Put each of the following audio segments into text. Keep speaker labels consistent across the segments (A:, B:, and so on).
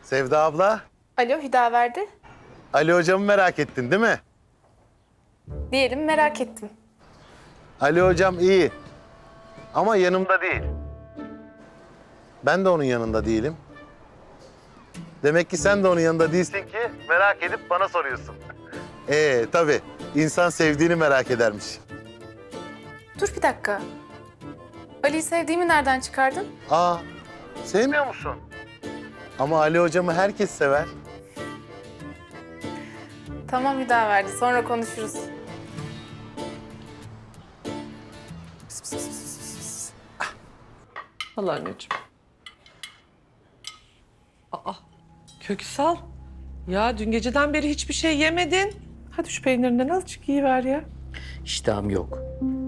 A: Sevda abla,
B: Alo Hüdaverdi.
A: Ali hocamı merak ettin değil mi?
B: Diyelim merak ettim.
A: Ali hocam iyi ama yanımda değil. Ben de onun yanında değilim. Demek ki sen de onun yanında değilsin ki merak edip bana soruyorsun. Tabii insan sevdiğini merak edermiş.
B: Dur bir dakika. Ali'yi sevdiğimi nereden çıkardın?
A: Aa, sevmiyor musun? Ama Ali hocamı herkes sever.
B: Tamam Hüdaverdi, sonra konuşuruz.
C: Al anneciğim. Aa, Köksal. Ya dün geceden beri hiçbir şey yemedin. Hadi şu peynirinden azıcık yiyiver ya.
D: İştahım yok.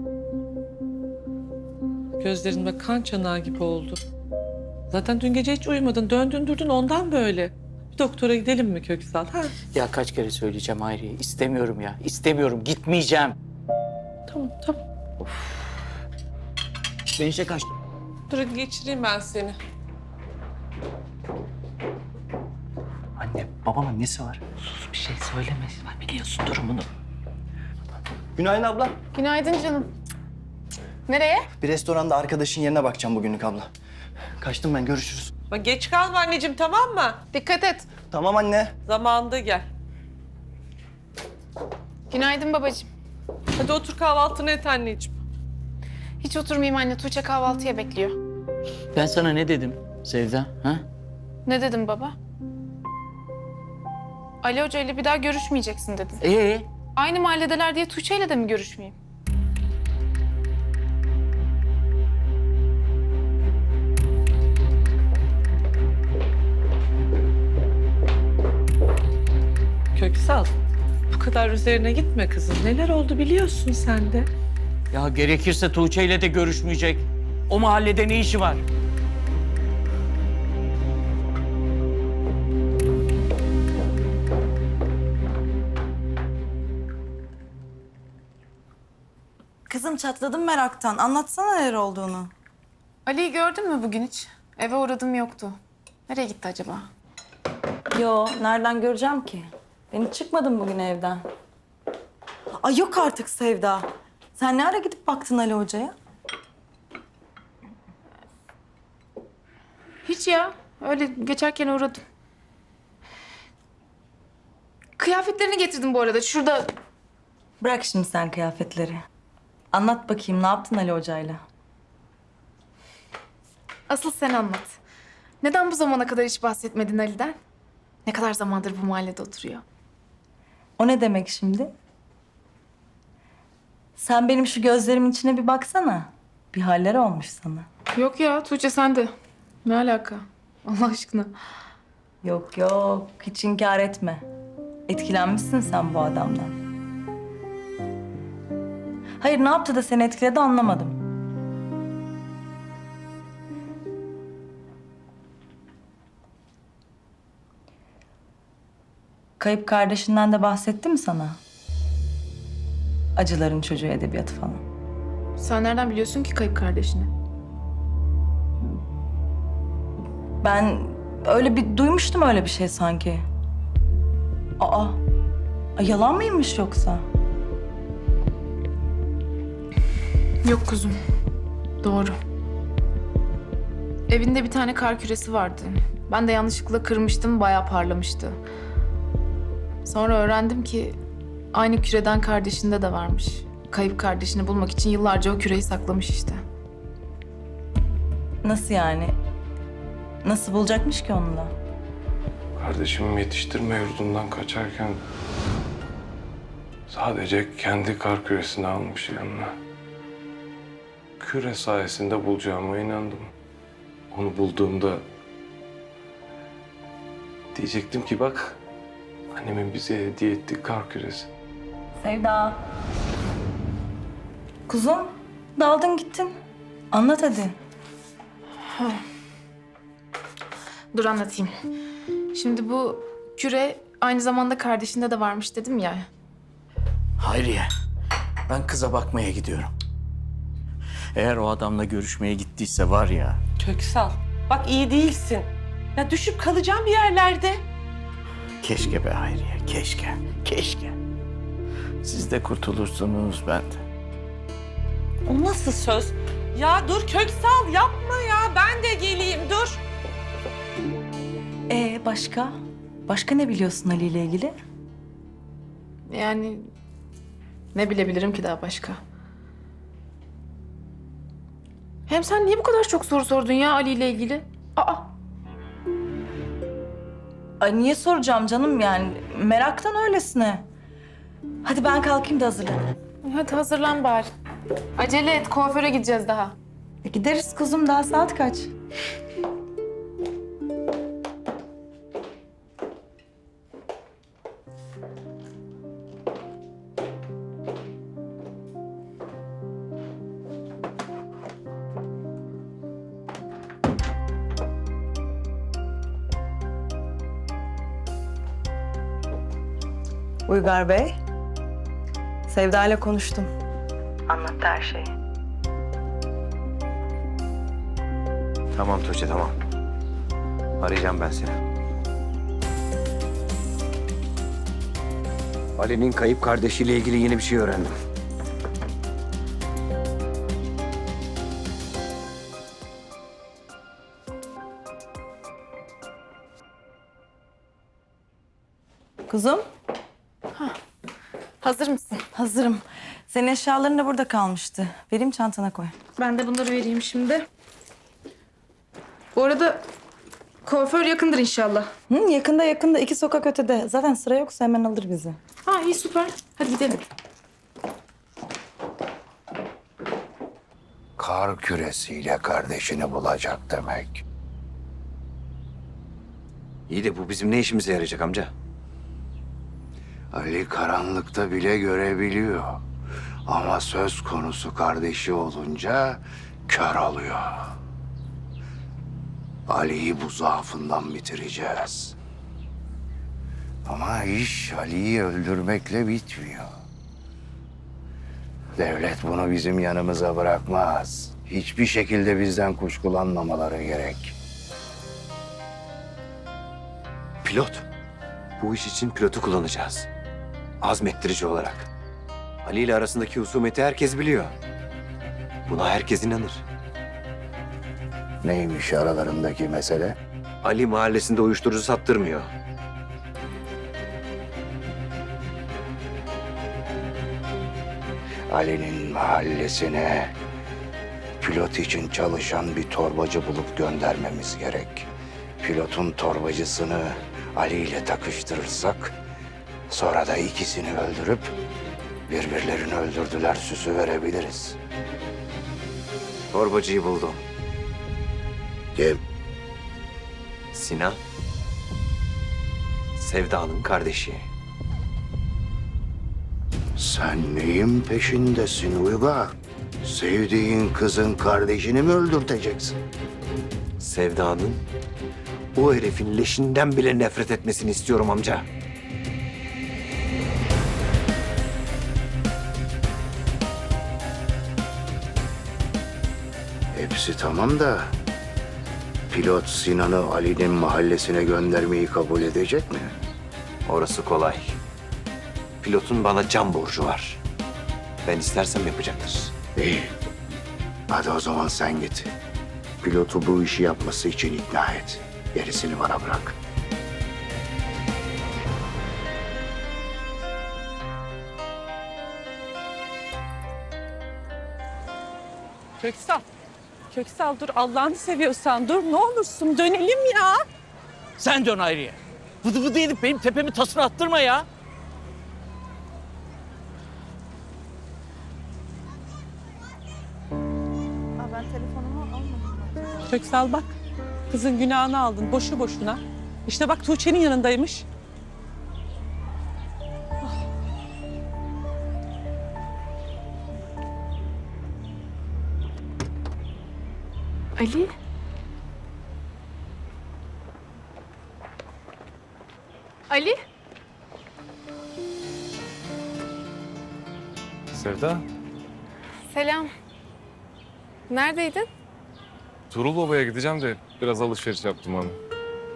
C: Gözlerin bak kan çanağı gibi oldu. Zaten dün gece hiç uyumadın. Döndün durdun ondan böyle. Bir doktora gidelim mi Köksal? Ha?
D: Ya kaç kere söyleyeceğim Hayriye. İstemiyorum ya. İstemiyorum. Gitmeyeceğim.
C: Tamam tamam.
D: Ben işe kaçtım.
C: Dur hadi geçireyim ben seni.
D: Anne, babamın nesi var? Sus bir şey söyleme. Ben biliyorsun durumunu.
E: Günaydın abla.
B: Günaydın canım. Nereye?
E: Bir restoranda arkadaşın yerine bakacağım bugünlük abla. Kaçtım ben, görüşürüz.
C: Bak geç kalma anneciğim tamam mı?
B: Dikkat et.
E: Tamam anne.
C: Zamanında gel.
B: Günaydın babacığım.
C: Hadi otur kahvaltını et anneciğim.
B: Hiç oturmayayım anne, Tuğçe kahvaltıya bekliyor.
D: Ben sana ne dedim Sevda? Ha?
B: Ne dedim baba? Ali Hoca ile bir daha görüşmeyeceksin dedin. Aynı mahalledeler diye Tuğçe ile de mi görüşmeyeyim?
C: Köksal, bu kadar üzerine gitme kızım. Neler oldu biliyorsun sen de.
D: Ya gerekirse Tuğçe ile de görüşmeyecek. O mahallede ne işi var?
F: Kızım çatladım meraktan. Anlatsana neler olduğunu.
B: Ali'yi gördün mü bugün hiç? Eve uğradım, yoktu. Nereye gitti acaba?
F: Yo, nereden göreceğim ki? Ben hiç çıkmadım bugün evden. Ay yok artık Sevda. Sen ne ara gidip baktın Ali Hoca'ya?
B: Hiç ya. Öyle geçerken uğradım. Kıyafetlerini getirdim bu arada. Şurada.
F: Bırak şimdi sen kıyafetleri. Anlat bakayım ne yaptın Ali Hoca'yla?
B: Asıl sen anlat. Neden bu zamana kadar hiç bahsetmedin Ali'den? Ne kadar zamandır bu mahallede oturuyor?
F: O ne demek şimdi? Sen benim şu gözlerimin içine bir baksana. Bir haller olmuş sana.
B: Yok ya, Tuğçe sen de. Ne alaka? Allah aşkına.
F: Yok yok, hiç inkar etme. Etkilenmişsin sen bu adamdan. Hayır, ne yaptı da seni etkiledi anlamadım. Kayıp kardeşinden de bahsetti mi sana? Acıların çocuğu edebiyatı falan.
B: Sen nereden biliyorsun ki kayıp kardeşini?
F: Ben öyle bir duymuştum öyle bir şey sanki. Aa, ay yalan mıymış yoksa?
B: Yok kuzum. Doğru. Evinde bir tane kar küresi vardı. Ben de yanlışlıkla kırmıştım, bayağı parlamıştı. Sonra öğrendim ki aynı küreden kardeşinde de varmış. Kayıp kardeşini bulmak için yıllarca o küreyi saklamış işte.
F: Nasıl yani? Nasıl bulacakmış ki onu da?
G: Kardeşim yetiştirme yurdundan kaçarken sadece kendi kar küresini almış yanına. Küre sayesinde bulacağıma inandım. Onu bulduğumda diyecektim ki bak annemin bize hediye ettiği kar küresi.
F: Sevda. Kuzum, daldın gittin. Anlat hadi.
B: Dur anlatayım. Şimdi bu küre aynı zamanda kardeşinde de varmış dedim ya.
D: Hayriye, ben kıza bakmaya gidiyorum. Eğer o adamla görüşmeye gittiyse var ya...
C: Köksal, bak iyi değilsin. Ya düşüp kalacağım bir yerlerde.
H: Keşke be Hayriye, keşke, keşke. Siz de kurtulursunuz, ben de.
C: O nasıl söz? Ya dur Köksal yapma ya. Ben de geleyim dur.
F: Başka? Başka ne biliyorsun Ali ile ilgili?
B: Yani ne bilebilirim ki daha başka? Hem sen niye bu kadar çok soru sordun ya Ali ile ilgili? Aa,
F: Ay niye soracağım canım yani? Meraktan öylesine. Hadi ben kalkayım da hazırlanayım.
B: hadi hazırlan bari. Acele et, kuaföre gideceğiz daha.
F: Gideriz kuzum, daha saat kaç? Uygar Bey, Sevda ile konuştum. Anlattı her şeyi.
I: Tamam Tuğçe, tamam. Arayacağım ben seni. Ali'nin kayıp kardeşiyle ilgili yeni bir şey öğrendim.
F: Kuzum,
B: Hazır mısın?
F: hazırım. Senin eşyaların da burada kalmıştı. Vereyim çantana koy.
B: Ben de bunları vereyim şimdi. Bu arada kuaför yakındır inşallah.
F: Yakında 2 sokak ötede. Zaten sıra yoksa hemen alır bizi.
B: Ha iyi süper. Hadi gidelim.
J: Kar küresiyle kardeşini bulacak demek.
I: İyi de bu bizim ne işimize yarayacak amca?
J: Ali karanlıkta bile görebiliyor. Ama söz konusu kardeşi olunca kör oluyor. Ali'yi bu zaafından bitireceğiz. Ama iş Ali'yi öldürmekle bitmiyor. Devlet bunu bizim yanımıza bırakmaz. Hiçbir şekilde bizden kuşkulanmamaları gerek.
I: Pilot. Bu iş için pilotu kullanacağız. Azmettirici olarak. Ali ile arasındaki husumeti herkes biliyor. Buna herkes inanır.
J: Neymiş aralarındaki mesele?
I: Ali mahallesinde uyuşturucu sattırmıyor.
J: Ali'nin mahallesine pilot için çalışan bir torbacı bulup göndermemiz gerek. Pilotun torbacısını Ali ile takıştırırsak sonra da ikisini öldürüp birbirlerini öldürdüler süsü verebiliriz.
I: Torbacıyı buldum.
J: Kim?
I: Sinan. Sevda'nın kardeşi.
J: Sen neyin peşindesin Uygar? Sevdiğin kızın kardeşini mi öldürteceksin?
I: Sevda'nın o herifin leşinden bile nefret etmesini istiyorum amca.
J: Hepsi tamam da pilot Sinan'ı Ali'nin mahallesine göndermeyi kabul edecek mi?
I: Orası kolay. Pilotun bana can borcu var. Ben istersem yapacaktır.
J: İyi. Hadi o zaman sen git. Pilotu bu işi yapması için ikna et. Gerisini bana bırak.
C: Köksal. Köksal dur Allah'ını seviyorsan dur ne olursun dönelim ya.
H: Sen dön Hayriye. Vıdı vıdı edip benim tepemi tasını attırma ya.
F: Ben telefonumu almadım.
C: Köksal bak kızın günahını aldın boşu boşuna. İşte bak Tuğçe'nin yanındaymış.
B: Ali? Ali?
G: Sevda,
B: Selam. Neredeydin?
G: Tuğrul Baba'ya gideceğim de biraz alışveriş yaptım onu.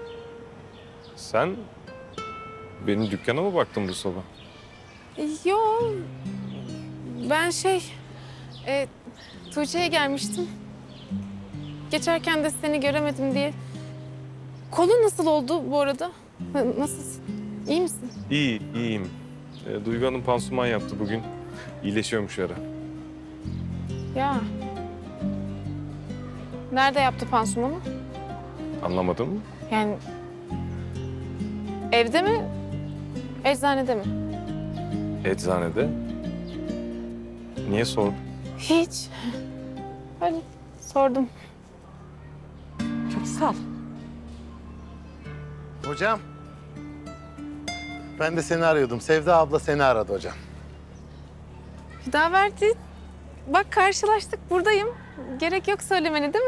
G: Sen benim dükkana mı baktın bu sabah?
B: Yo, ben Tuğçe'ye gelmiştim. Geçerken de seni göremedim diye. Kolun nasıl oldu bu arada? Nasılsın? İyi misin?
G: İyiyim. Duygu Hanım pansuman yaptı bugün. İyileşiyormuş ara.
B: Ya. Nerede yaptı pansumanı?
G: Anlamadın mı?
B: Yani evde mi? Eczanede mi?
G: Eczanede. Niye sordun?
B: Hiç. Öyle sordum.
C: Çok sağ ol.
A: Hocam. Ben de seni arıyordum. Sevda abla seni aradı hocam.
B: Hüdaverdi. Bak karşılaştık, buradayım. Gerek yok söylemeni değil mi?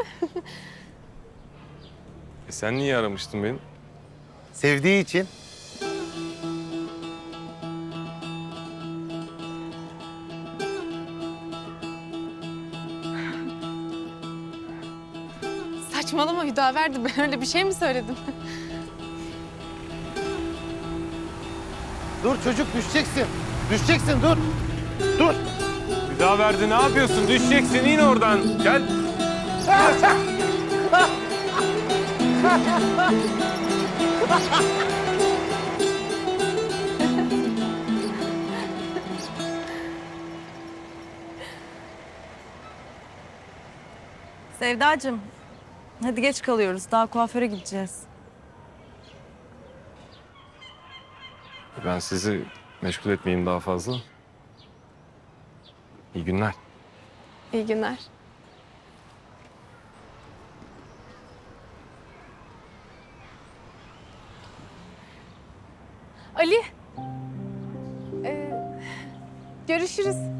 G: Sen niye aramıştın beni?
A: Sevdiği için.
B: Saçmalama Hüdaverdi. Ben öyle bir şey mi söyledim?
A: Dur çocuk düşeceksin. Düşeceksin dur. Dur.
G: Bir daha verdi, ne yapıyorsun? Düşeceksin, in oradan. Gel.
F: Sevdacığım, hadi geç kalıyoruz. Daha kuaföre gideceğiz.
G: Ben sizi meşgul etmeyeyim daha fazla. İyi günler.
B: İyi günler. Ali. Görüşürüz.